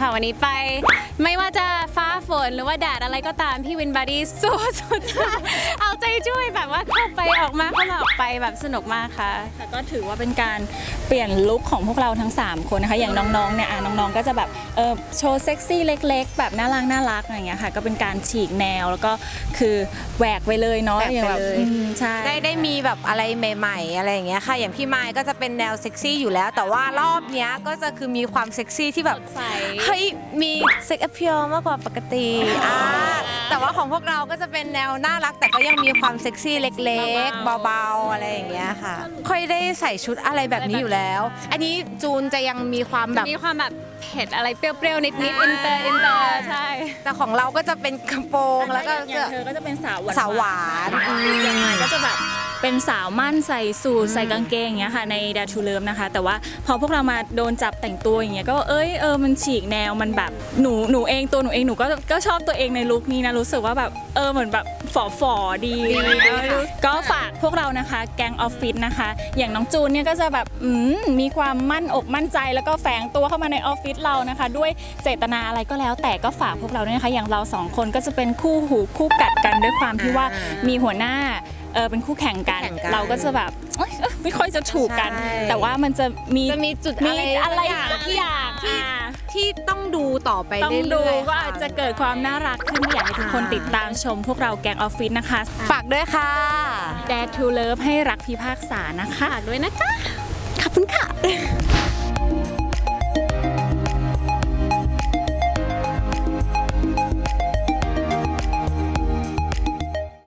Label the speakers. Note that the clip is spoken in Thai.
Speaker 1: ค่ะวันนี้ไปไม่ว่าจะฟ้าฝนหรือว่าแดดอะไรก็ตามพี่วินบอดี้สู้สุดเอาใจช่วยแบบว่าเข้าไปออกมาเข้ามาออกไปแบบสนุกมากค่ะ
Speaker 2: แต่ก็ถือว่าเป็นการเปลี่ยนลุคของพวกเราทั้ง3คนนะคะอย่างน้องๆเนี่ยน้องๆก็จะแบบโชว์เซ็กซี่เล็กๆแบบน่ารักอะไรอย่างเงี้ยค่ะก็เป็นการฉีกแนวแล้วก็คือแหวกไปเลยเนาะอย่างแบบใช่
Speaker 3: ได้มีแบบอะไรใหม่ๆอะไรอย่างเงี้ยค่ะอย่างพี่ไมค์ก็จะเป็นแนวเซ็กซี่อยู่แล้วแต่ว่ารอบเนี้ยก็จะคือมีความเซ็กซี่ที่แบบเฮ้ยมีเซ็กแอพเพียลมากกว่าปกติแต่ว่าของพวกเราก็จะเป็นแนวน่ารักแต่ก็ยังมีความเซ็กซี่เล็กๆเบาๆอะไรอย่างเงี้ยค่ะค่อยได้ใส่ชุดอะไรแบบนี้อยู่แล้วอันนี้จูนจะยังมีความแบบ
Speaker 1: เผ็ดอะไรเปรี้ยวๆนิดๆอินเตอร์ใช่
Speaker 3: แต่ของเราก็จะเป็นกระโปรงแล้วก็
Speaker 2: เธอก็จะเป็นสาว
Speaker 3: หวาน
Speaker 2: ยังไงก็จะแบบเป็นสาวมั่นใส่สูทใส่กางเกงอย่างเงี้ยค่ะใน Dare to Love นะคะแต่ว่าพอพวกเรามาโดนจับแต่งตัวอย่างเงี้ยก็มันฉีกแนวมันแบบหนูเองหนูก็ชอบตัวเองในลุคนี้นะรู้สึกว่าแบบเหมือนแบบฝ่อดีก็ฝากพวกเรานะคะแก๊งออฟฟิศนะคะอย่างน้องจูนเนี่ยก็จะแบบมีความมั่นอกมั่นใจแล้วก็แฝงตัวเข้ามาในออฟฟิศเรานะคะด้วยเจตนาอะไรก็แล้วแต่ก็ฝากพวกเราด้วยนะคะอย่างเรา2คนก็จะเป็นคู่หูคู่กัดกันด้วยความที่ว่ามีหัวหน้าเป็นคู่แข่งกันเราก็จะแบบไม่ค่อยจะถูกกันแต่ว่ามันจะมี
Speaker 3: จุด
Speaker 2: อะไรอย่าง
Speaker 3: ที่ต้องดูต่อไปเรื่อยๆ
Speaker 2: ต้องดูก็อาจจะเกิดความน่ารักขึ้นอยากให้ทุกคนติดตามชมพวกเราแก๊งออฟฟิศนะคะ
Speaker 3: ฝากด้วยค่ะ
Speaker 2: Dare to Love ให้รักพิพากษานะคะ
Speaker 1: ฝากด้วยนะคะ
Speaker 2: ขอบคุณค่ะ